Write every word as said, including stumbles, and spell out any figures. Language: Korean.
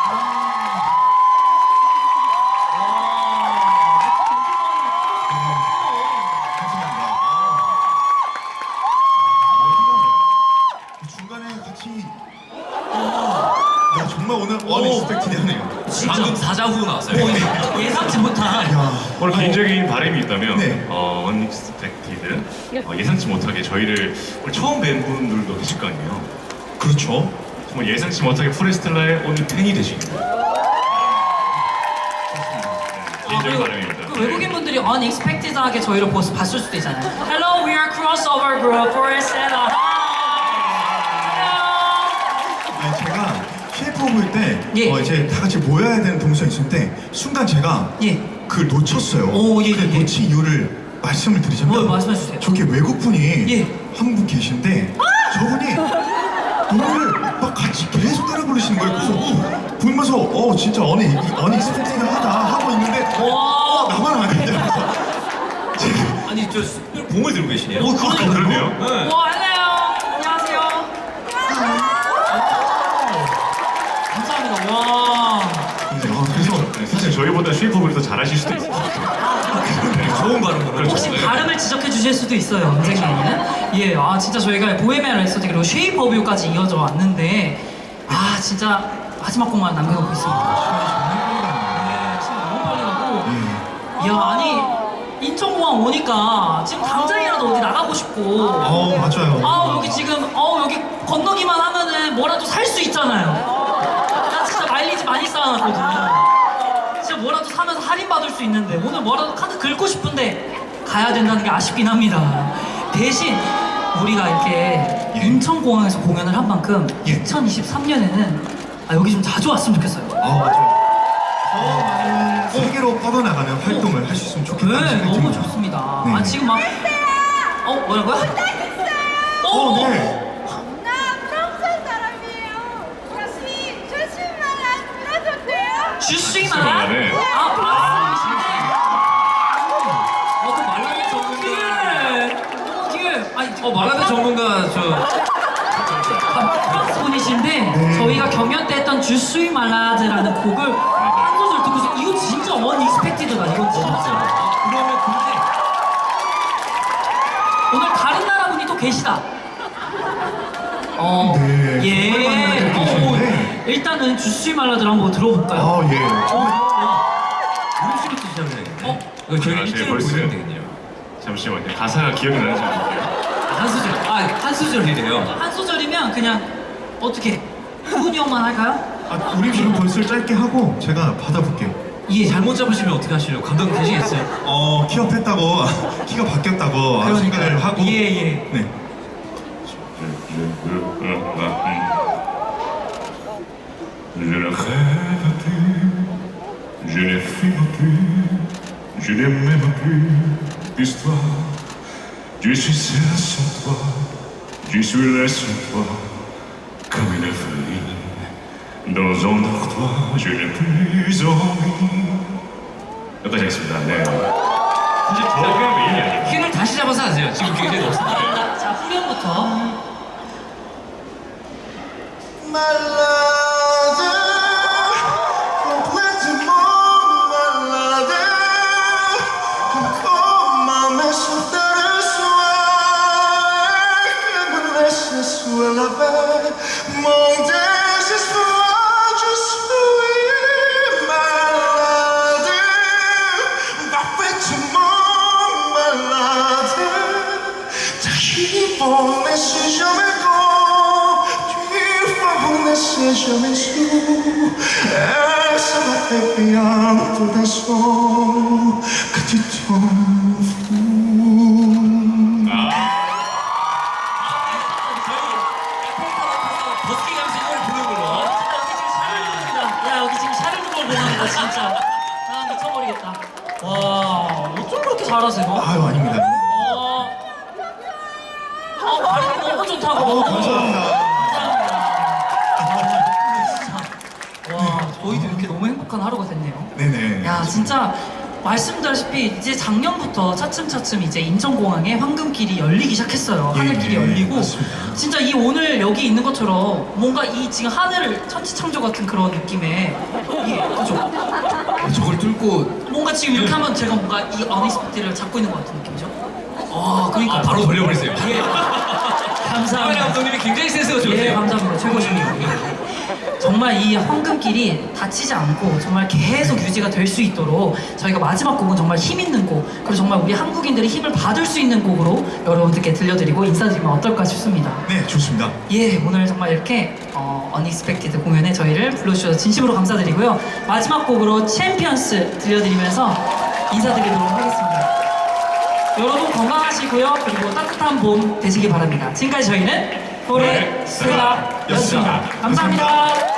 정말 오늘 언익스펙티드하네요. 방금 사자후 나왔어요. 오, 예상치 못한. 오늘 개인적인 바람이 있다면 네. 어, 언익스펙티드 어, 예상치 못하게 저희를 오늘 처음 뵌 분들도 계실 거 아니에요. 그렇죠. 정말 예상치 못하게 포레스텔라의 오늘 팬이 되신 거예요. 개인적인 바람입니다. 그 외국인 분들이 unexpected하게 저희를 보스 봤을 수도 있잖아요. Hello, we are crossover group for Estella. 아니, 제가 케이팝을 때 예. 어, 이제 다 같이 모여야 되는 동선이 있을 때 순간 제가 예. 그걸 놓쳤어요. 오, 예, 그 예, 예. 놓친 이유를 말씀을 드리자면 뭐, 말씀해 주세요. 저기 외국분이 예. 한 분 계신데 저분이 노래를 막 같이 계속 따라 부르시는 거예요. 그래서 어, 보면서 어 진짜 어니 어니 스펙티드하다 하고 있는데 어, 나만 아니냐. 아니 저 특별 봉을 들고 계시네요. 오, 아, 그러니까요. 그러네요. 네. 와, 안녕. 안녕하세요. 감사합니다. 와. 네, 어, 그래서 네, 사실 저희보다 쉐이프업을 더 잘하실 수도 있어요. 좋은 발음으로. 혹시 발음을 지적해 주실 수도 있어요, 언젠가는. 예, 아 진짜 저희가 보헤미안 랩소디 그리고 쉐이프 오브 유까지 이어져 왔는데 아 진짜 마지막 곡만 남겨놓고 있습니다. 네, 시간 너무 빨리 가고. 이야, 아니 인천공항 오니까 지금 당장이라도 어디 나가고 싶고. 어 맞아요. 아 여기 지금 어 여기 건너기만 하면은 뭐라도 살 수 있잖아요. 나 진짜 마일리지 많이 쌓아놨거든요. 진짜 뭐라도 사면서 할인 받을 수 있는데 오늘 뭐라도 카드 긁고 싶은데 가야 된다는 게 아쉽긴 합니다. 대신 우리가 이렇게 예. 인천공항에서 공연을 한 만큼 예. 이천이십삼 년에는 아, 여기 좀 자주 왔으면 좋겠어요. 아 맞아요. 더 많은 세계로 뻗어나가는 활동을 할 수 있으면 좋겠다는 네, 생각이 너무 듭니다. 좋습니다. 네. 아 지금 막 어 뭐라고요? 어, 네. 나 프랑스 사람이에요. 조심, 조심만 들어도 돼요? 주스이만 말해. 아 프랑스이신데 어그 말라드 전문가 너무 뒤에 아니 어 말하는 전문가 저 아, 프랑스 분이신데 저희가 경연 때 했던 주스이 말라드라는 곡을 한 소절 듣고서 이거 진짜 언익스펙티드다 이건 진짜. 그러면 근데 오늘 다른 나라 분이 또 계시다. 어, 네, 예. 정말 많은 분들이 어, 계시는데. 일단은 주스이 말라드를 한번 들어볼까요? 아 예. 우리 씨부터 시작을 해야겠네. 어? 이거 저희 아, 일주일 제 벌써- 보시면 되겠네요. 잠시만요. 가사가 기억이 나는지 모르겠어요. 한 소절. 아한 소절이래요. 한 소절이면 그냥 어떻게 후훈이 형만 할까요? 아, 우리 지금 벌써 짧게 하고 제가 받아볼게요. 예 잘못 잡으시면 어떻게 하시려고 감독 되시겠어요? 어 키업했다고 키가 바뀌었다고 아, 생각을 하고 예, 예. 네. Je ne rêve plus, je ne fume plus, je n'aime même plus l'histoire. Je suis seul sans toi, je suis là sans toi, comme une folie. Dans un dortoir, je n'ai plus envie. 여기까지 하겠습니다. 네. 사실 저가 메인이 아니에요. 키를 다시 잡아서 하세요. 지금 굉장히 높습니다. 자, 자 후렴부터. 말라드 complètement malade comme 맘에 쏟아를 soir que me laisse sur la veille mon désespoir je suis malade parfaitement malade t'arrives mais c'est jamais c'est jamais su Essa é pianto da sol que te tomo 버스킹 하면서 이걸 부르는 걸로. 야 여기 지금 샤르르 걸 보는다 진짜. 아 미쳐버리겠다. 와 어쩜 그렇게 잘하세요? 아유 아닙니다. 어, 어 발음이 너무 좋다고. 어, 감사합니다. 와, 저희도 이렇게 너무 행복한 하루가 됐네요. 네네. 야, 진짜 말씀드렸다시피 이제 작년부터 차츰차츰 이제 인천공항에 황금길이 열리기 시작했어요. 예, 하늘길이 열리고 맞습니다. 진짜 이 오늘 여기 있는 것처럼 뭔가 이 지금 하늘을 천지창조 같은 그런 느낌의 이 그죠? 저걸 뚫고 뭔가 지금 이렇게 하면 제가 뭔가 이 어니스피티를 잡고 있는 것 같은 느낌이죠? 아 그러니까 아, 바로 돌려버리세요. 예. 카메라 감사합니다. 감독님이 굉장히 센스가 예, 좋으세요. 감사합니다. 최고십니다. 정말 이 황금길이 다치지 않고 정말 계속 유지가 될 수 있도록 저희가 마지막 곡은 정말 힘 있는 곡, 그리고 정말 우리 한국인들이 힘을 받을 수 있는 곡으로 여러분들께 들려드리고 인사드리면 어떨까 싶습니다. 네, 좋습니다. 예, 오늘 정말 이렇게 어, 언익스펙티드 공연에 저희를 불러주셔서 진심으로 감사드리고요. 마지막 곡으로 챔피언스 들려드리면서 인사드리도록 하겠습니다. 여러분 건강하시고요. 그리고 따뜻한 봄 되시기 바랍니다. 지금까지 저희는 노래 스라였습니다. 감사합니다.